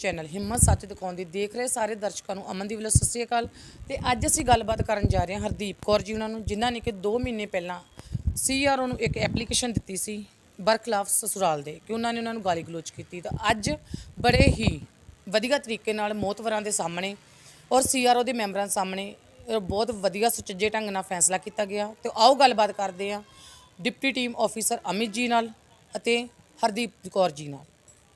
Channel ਹਿੰਮਤ ਸੱਚ ਦਿਖਾਉਣ ਦੀ ਦੇਖ ਰਹੇ ਸਾਰੇ ਦਰਸ਼ਕਾਂ ਨੂੰ ਅਮਨ ਦੀ ਵੱਲੋਂ ਸਤਿ ਸ਼੍ਰੀ ਅਕਾਲ। ਤੇ ਅੱਜ ਅਸੀਂ ਗੱਲਬਾਤ ਕਰਨ ਜਾ ਰਹੇ ਹਾਂ ਹਰਦੀਪ ਕੌਰ ਜੀ ਉਹਨਾਂ ਨੂੰ, ਜਿਨ੍ਹਾਂ ਨੇ ਕਿ 2 ਮਹੀਨੇ ਪਹਿਲਾਂ CRO ਨੂੰ ਇੱਕ ਐਪਲੀਕੇਸ਼ਨ ਦਿੱਤੀ ਸੀ ਬਰਖਲਾਫ ਸਸੁਰਾਲ ਦੇ ਕਿ ਉਹਨਾਂ ਨੇ ਗਾਲੀ ਗਲੋਚ ਕੀਤੀ। ਤਾਂ ਅੱਜ ਬੜੇ ਹੀ ਵਧੀਆ ਤਰੀਕੇ ਨਾਲ ਮੋਹਤਵਰਾਂ ਦੇ ਸਾਹਮਣੇ ਔਰ CRO ਦੇ ਮੈਂਬਰਾਂ ਦੇ ਸਾਹਮਣੇ ਬਹੁਤ ਵਧੀਆ ਸੁਚੱਜੇ ਢੰਗ ਨਾਲ ਫੈਸਲਾ ਕੀਤਾ ਗਿਆ। ਤੇ ਆਓ ਗੱਲਬਾਤ ਕਰਦੇ ਹਾਂ ਡਿਪਟੀ ਟੀਮ ਆਫੀਸਰ ਅਮਿਤ ਜੀ ਨਾਲ ਅਤੇ ਹਰਦੀਪ ਕੌਰ ਜੀ ਨਾਲ।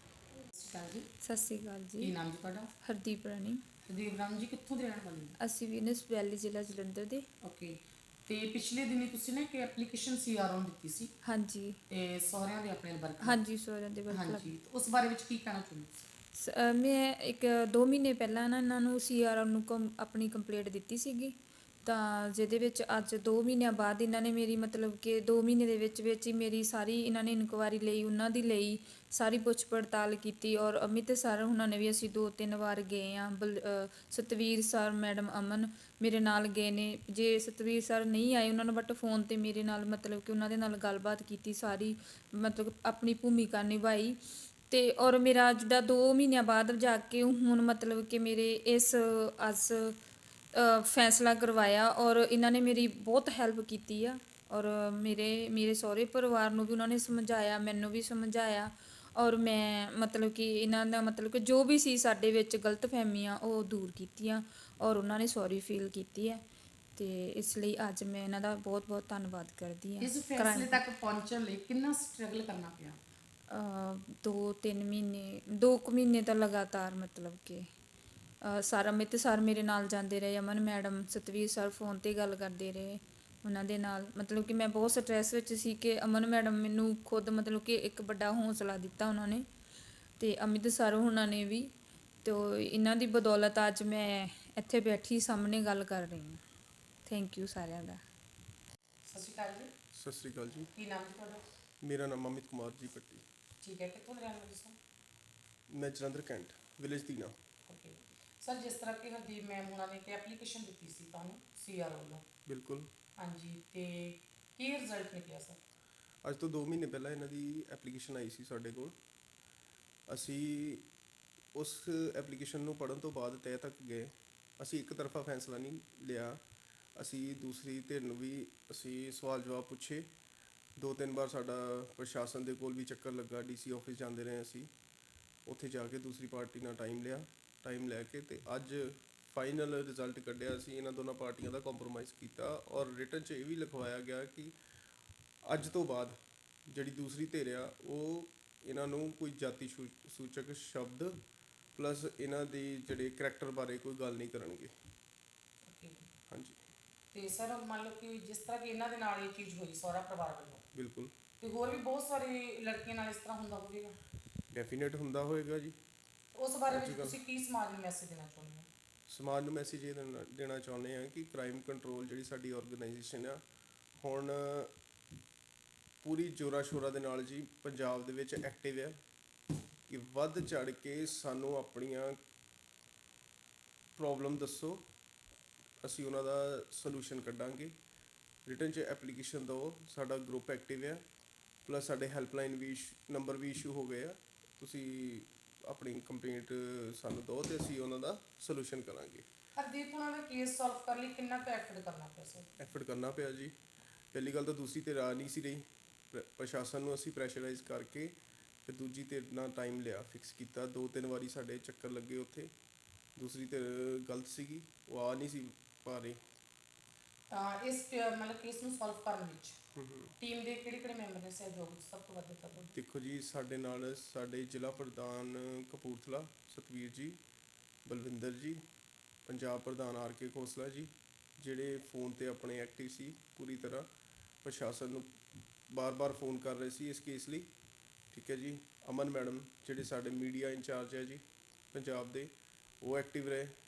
ਸਤਿ ਸ਼੍ਰੀ ਅਕਾਲ ਜੀ। ਕੀ ਨਾਮ ਜੀ ਤੁਹਾਡਾ? ਹਰਦੀਪ ਰਾਣੀ। ਹਰਦੀਪ ਰਾਮ ਜੀ ਕਿੱਥੋਂ ਦੇ ਰਹਿਣ ਵਾਲੇ ਹੋ? ਅਸੀਂ ਵੀਨਸ ਵੈਲੀ ਜ਼ਿਲ੍ਹਾ ਜਲੰਧਰ ਦੇ। ਓਕੇ। ਤੇ ਪਿਛਲੇ ਦਿਨੀ ਤੁਸੀਂ ਨਾ ਇੱਕ ਐਪਲੀਕੇਸ਼ਨ CRO ਨੂੰ ਦਿੱਤੀ ਸੀ। ਹਾਂਜੀ। ਤੇ ਸਹੁਰਿਆਂ ਦੇ ਆਪਣੇ ਵਰਕ। ਹਾਂਜੀ ਸਹੁਰਿਆਂ ਦੇ ਵਰਕ। ਹਾਂਜੀ, ਉਸ ਬਾਰੇ ਵਿੱਚ ਕੀ ਕਹਿਣਾ ਚਾਹੁੰਦੇ? ਮੈਂ 2 ਮਹੀਨੇ ਪਹਿਲਾਂ ਨਾ ਇਹਨਾਂ ਨੂੰ CRO ਨੂੰ ਆਪਣੀ ਕੰਪਲੇਂਟ ਦਿੱਤੀ ਸੀਗੀ। ਤਾਂ ਜਿਹਦੇ ਵਿੱਚ ਅੱਜ 2 ਮਹੀਨਿਆਂ ਬਾਅਦ ਇਹਨਾਂ ਨੇ ਮੇਰੀ ਮਤਲਬ ਕਿ 2 ਮਹੀਨੇ ਦੇ ਵਿੱਚ ਹੀ ਮੇਰੀ ਸਾਰੀ ਇਹਨਾਂ ਨੇ ਇਨਕੁਆਇਰੀ ਲਈ, ਉਹਨਾਂ ਦੀ ਲਈ ਸਾਰੀ ਪੁੱਛ ਪੜਤਾਲ ਕੀਤੀ। ਔਰ ਅਮਿਤ ਸਰ ਉਹਨਾਂ ਨੇ ਵੀ ਅਸੀਂ 2-3 ਵਾਰ ਗਏ ਹਾਂ। ਸਤਵੀਰ ਸਰ, ਮੈਡਮ ਅਮਨ ਮੇਰੇ ਨਾਲ ਗਏ ਨੇ। ਜੇ ਸਤਵੀਰ ਸਰ ਨਹੀਂ ਆਏ ਉਹਨਾਂ ਨੂੰ ਬਟ ਫੋਨ 'ਤੇ ਮੇਰੇ ਨਾਲ ਮਤਲਬ ਕਿ ਉਹਨਾਂ ਦੇ ਨਾਲ ਗੱਲਬਾਤ ਕੀਤੀ, ਸਾਰੀ ਮਤਲਬ ਆਪਣੀ ਭੂਮਿਕਾ ਨਿਭਾਈ। ਅਤੇ ਔਰ ਮੇਰਾ ਜਿੱਦਾਂ 2 ਮਹੀਨਿਆਂ ਬਾਅਦ ਜਾ ਕੇ ਹੁਣ ਮਤਲਬ ਕਿ ਮੇਰੇ ਇਸ ਅੱਜ ਫੈਸਲਾ ਕਰਵਾਇਆ। ਔਰ ਇਹਨਾਂ ਨੇ ਮੇਰੀ ਬਹੁਤ ਹੈਲਪ ਕੀਤੀ ਆ। ਔਰ ਮੇਰੇ ਸਹੁਰੇ ਪਰਿਵਾਰ ਨੂੰ ਵੀ ਉਹਨਾਂ ਨੇ ਸਮਝਾਇਆ, ਮੈਨੂੰ ਵੀ ਸਮਝਾਇਆ। ਔਰ ਮੈਂ ਮਤਲਬ ਕਿ ਇਹਨਾਂ ਦਾ ਮਤਲਬ ਕਿ ਜੋ ਵੀ ਸੀ ਸਾਡੇ ਵਿੱਚ ਗਲਤਫਹਿਮੀਆਂ ਉਹ ਦੂਰ ਕੀਤੀਆਂ। ਔਰ ਉਹਨਾਂ ਨੇ ਸੌਰੀ ਫੀਲ ਕੀਤੀ ਹੈ। ਅਤੇ ਇਸ ਲਈ ਅੱਜ ਮੈਂ ਇਹਨਾਂ ਦਾ ਬਹੁਤ ਬਹੁਤ ਧੰਨਵਾਦ ਕਰਦੀ ਹਾਂ। ਇਸ ਫੈਸਲੇ ਤੱਕ ਪਹੁੰਚਣ ਲਈ ਕਿੰਨਾ ਸਟਰਗਲ ਕਰਨਾ ਪਿਆ? 2-3 ਮਹੀਨੇ, 2 ਕੁ ਮਹੀਨੇ ਤਾਂ ਲਗਾਤਾਰ ਮਤਲਬ ਕਿ ਸਰ ਅਮਿਤ ਸਰ ਮੇਰੇ ਨਾਲ ਜਾਂਦੇ ਰਹੇ, Aman madam, Satveer sir phone 'ਤੇ ਗੱਲ ਕਰਦੇ ਰਹੇ ਉਹਨਾਂ ਦੇ ਨਾਲ। ਮਤਲਬ ਕਿ ਮੈਂ ਬਹੁਤ ਸਟਰੈਸ ਵਿੱਚ ਸੀ ਕਿ ਅਮਨ ਮੈਡਮ ਮੈਨੂੰ ਖੁਦ ਮਤਲਬ ਕਿ ਇੱਕ ਵੱਡਾ ਹੌਸਲਾ ਦਿੱਤਾ ਉਹਨਾਂ ਨੇ, ਅਤੇ ਅਮਿਤ ਸਰ ਉਹਨਾਂ ਨੇ ਵੀ। ਅਤੇ ਇਹਨਾਂ ਦੀ ਬਦੌਲਤ ਅੱਜ ਮੈਂ ਇੱਥੇ ਬੈਠੀ ਸਾਹਮਣੇ ਗੱਲ ਕਰ ਰਹੀ ਹਾਂ। ਥੈਂਕ ਯੂ ਸਾਰਿਆਂ ਦਾ। ਸਤਿ ਸ਼੍ਰੀ ਅਕਾਲ ਜੀ। ਸਤਿ ਸ਼੍ਰੀ ਅਕਾਲ ਜੀ। ਕੀ ਨਾਮ ਜੀ ਤੁਹਾਡਾ? ਮੇਰਾ ਨਾਮ ਅਮਿਤ ਕੁਮਾਰ ਜੀ ਪੱਟੀ। ਠੀਕ ਹੈ, ਕਿੱਥੋਂ ਦੇ ਰਹਿਣ ਵਾਲੇ ਸਰ? ਮੈਂ Jalandhar cantt village Dina. Okay sir, ਜਿਸ ਤਰ੍ਹਾਂ ਕਿ ਹਰਦੀਪ ਮੈਮ ਉਹਨਾਂ ਨੇ ਇੱਕ ਐਪਲੀਕੇਸ਼ਨ ਦਿੱਤੀ ਸੀ ਤੁਹਾਨੂੰ CRO ਵੱਲੋਂ। ਬਿਲਕੁਲ। ਹਾਂਜੀ, ਤੇ ਕੀ ਰਿਜ਼ਲਟ ਨਿਕਲਿਆ ਸਰ? ਅੱਜ ਤੋਂ 2 ਮਹੀਨੇ ਪਹਿਲਾਂ ਇਹਨਾਂ ਦੀ ਐਪਲੀਕੇਸ਼ਨ ਆਈ ਸੀ ਸਾਡੇ ਕੋਲ। ਅਸੀਂ ਉਸ ਐਪਲੀਕੇਸ਼ਨ ਨੂੰ ਪੜ੍ਹਨ ਤੋਂ ਬਾਅਦ ਤਹਿ ਤੱਕ ਗਏ। ਅਸੀਂ ਇੱਕ ਤਰਫਾ ਫੈਸਲਾ ਨਹੀਂ ਲਿਆ। ਅਸੀਂ ਦੂਸਰੀ ਧਿਰ ਨੂੰ ਵੀ ਅਸੀਂ ਸਵਾਲ ਜਵਾਬ ਪੁੱਛੇ। 2-3 ਵਾਰ ਸਾਡਾ ਪ੍ਰਸ਼ਾਸਨ ਦੇ ਕੋਲ ਵੀ ਚੱਕਰ ਲੱਗਾ, DC ਆਫਿਸ ਜਾਂਦੇ ਰਹੇ ਅਸੀਂ। ਉੱਥੇ ਜਾ ਕੇ ਦੂਸਰੀ ਪਾਰਟੀ ਨਾਲ ਟਾਈਮ ਲੈ ਕੇ ਅਤੇ ਅੱਜ ਫਾਈਨਲ ਰਿਜ਼ਲਟ ਕੱਢਿਆ। ਅਸੀਂ ਇਹਨਾਂ ਦੋਨਾਂ ਪਾਰਟੀਆਂ ਦਾ ਕੰਪਰੋਮਾਈਜ਼ ਕੀਤਾ ਔਰ ਰਿਟਨ 'ਚ ਇਹ ਵੀ ਲਿਖਵਾਇਆ ਗਿਆ ਕਿ ਅੱਜ ਤੋਂ ਬਾਅਦ ਜਿਹੜੀ ਦੂਸਰੀ ਧਿਰ ਆ ਉਹ ਇਹਨਾਂ ਨੂੰ ਕੋਈ ਜਾਤੀ ਸੂਚਕ ਸ਼ਬਦ ਪਲੱਸ ਇਹਨਾਂ ਦੇ ਜਿਹੜੇ ਕਰੈਕਟਰ ਬਾਰੇ ਕੋਈ ਗੱਲ ਨਹੀਂ ਕਰਨਗੇ। ਓਕੇ। ਹਾਂਜੀ। ਤੇ ਸਰ ਮੰਨ ਲਓ ਕਿ ਜਿਸ ਤਰ੍ਹਾਂ ਕਿ ਇਹਨਾਂ ਦੇ ਨਾਲ ਇਹ ਚੀਜ਼ ਹੋਈ ਸਹੁਰਾ ਪਰਿਵਾਰ ਵੱਲੋਂ, ਬਿਲਕੁਲ। ਤੇ ਹੋਰ ਵੀ ਬਹੁਤ ਸਾਰੀ ਲੜਕੀਆਂ ਨਾਲ ਇਸ ਤਰ੍ਹਾਂ ਹੁੰਦਾ ਹੋਵੇਗਾ? ਡੈਫੀਨੇਟ ਹੁੰਦਾ ਹੋਏਗਾ ਜੀ। ਉਸ ਬਾਰੇ ਵਿੱਚ ਤੁਸੀਂ ਕੀ ਸਮਾਜ ਨੂੰ ਮੈਸੇਜ ਦੇਣਾ ਚਾਹੁੰਦੇ ਹੋ? ਸਮਾਜ ਨੂੰ ਮੈਸੇਜ ਇਹ ਦੇਣਾ ਚਾਹੁੰਦੇ ਹਾਂ ਕਿ ਕ੍ਰਾਈਮ ਕੰਟਰੋਲ ਜਿਹੜੀ ਸਾਡੀ ਆਰਗੇਨਾਈਜੇਸ਼ਨ ਆ ਹੁਣ ਪੂਰੀ ਜ਼ੋਰਾਂ ਸ਼ੋਰਾਂ ਦੇ ਨਾਲ ਜੀ ਪੰਜਾਬ ਦੇ ਵਿੱਚ ਐਕਟਿਵ ਆ ਕਿ ਵੱਧ ਚੜ੍ਹ ਕੇ ਸਾਨੂੰ ਆਪਣੀਆਂ ਪ੍ਰੋਬਲਮ ਦੱਸੋ, ਅਸੀਂ ਉਹਨਾਂ ਦਾ ਸੋਲੂਸ਼ਨ ਕੱਢਾਂਗੇ। ਰਿਟਨ 'ਚ ਐਪਲੀਕੇਸ਼ਨ ਦਿਓ। ਸਾਡਾ ਗਰੁੱਪ ਐਕਟਿਵ ਆ, ਪਲੱਸ ਸਾਡੇ ਹੈਲਪਲਾਈਨ ਵੀ ਨੰਬਰ ਵੀ ਇਸ਼ੂ ਹੋ ਗਏ ਆ। ਤੁਸੀਂ ਆਪਣੀ ਕੰਪਲੇਂਟ ਸਾਨੂੰ ਦਿਓ ਅਤੇ ਅਸੀਂ ਉਹਨਾਂ ਦਾ ਸੋਲੂਸ਼ਨ ਕਰਾਂਗੇ। ਹਰਦੀਪ ਉਹਨਾਂ ਦਾ ਕੇਸ ਸੋਲਵ ਕਰਨ ਲਈ ਕਿੰਨਾ ਕੁ ਐਫਰਟ ਕਰਨਾ ਪਿਆ ਸਰ? ਐਫਰਟ ਕਰਨਾ ਪਿਆ ਜੀ। ਪਹਿਲੀ ਗੱਲ ਤਾਂ ਦੂਸਰੀ ਧਿਰ ਆ ਨਹੀਂ ਸੀ ਰਹੀ। ਪ੍ਰਸ਼ਾਸਨ ਨੂੰ ਅਸੀਂ ਪ੍ਰੈਸ਼ਰਾਈਜ਼ ਕਰਕੇ ਅਤੇ ਦੂਜੀ ਧਿਰ ਨਾਲ ਟਾਈਮ ਲਿਆ, ਫਿਕਸ ਕੀਤਾ। 2-3 ਵਾਰੀ ਸਾਡੇ ਚੱਕਰ ਲੱਗੇ ਉੱਥੇ। ਦੂਸਰੀ ਧਿਰ ਗਲਤ ਸੀਗੀ, ਉਹ ਆ ਨਹੀਂ ਸੀ ਪਾ ਰਹੀ। ਤਾਂ ਇਸ ਮਤਲਬ ਕੇਸ ਨੂੰ ਸੋਲਵ ਕਰਨ ਵਿੱਚ ਟੀਮ ਦੇ ਕਿਹੜੇ ਮੈਂਬਰ ਨੇ ਸਹਿਯੋਗ ਸਭ ਤੋਂ ਵੱਧ ਦਿੱਤਾ? ਦੇਖੋ ਜੀ, ਸਾਡੇ ਨਾਲ ਸਾਡੇ ਜ਼ਿਲ੍ਹਾ ਪ੍ਰਧਾਨ ਕਪੂਰਥਲਾ ਸਤਵੀਰ ਜੀ, ਬਲਵਿੰਦਰ ਜੀ, ਪੰਜਾਬ ਪ੍ਰਧਾਨ RK ਖੋਸਲਾ ਜੀ, ਜਿਹੜੇ ਫੋਨ 'ਤੇ ਆਪਣੇ ਐਕਟਿਵ ਸੀ ਪੂਰੀ ਤਰ੍ਹਾਂ। ਪ੍ਰਸ਼ਾਸਨ ਨੂੰ ਬਾਰ-ਬਾਰ ਫੋਨ ਕਰ ਰਹੇ ਸੀ ਇਸ ਕੇਸ ਲਈ। ਠੀਕ ਹੈ ਜੀ। ਅਮਨ ਮੈਡਮ ਜਿਹੜੇ ਸਾਡੇ ਮੀਡੀਆ ਇੰਚਾਰਜ ਹੈ ਜੀ ਪੰਜਾਬ ਦੇ, ਉਹ ਐਕਟਿਵ ਰਹੇ।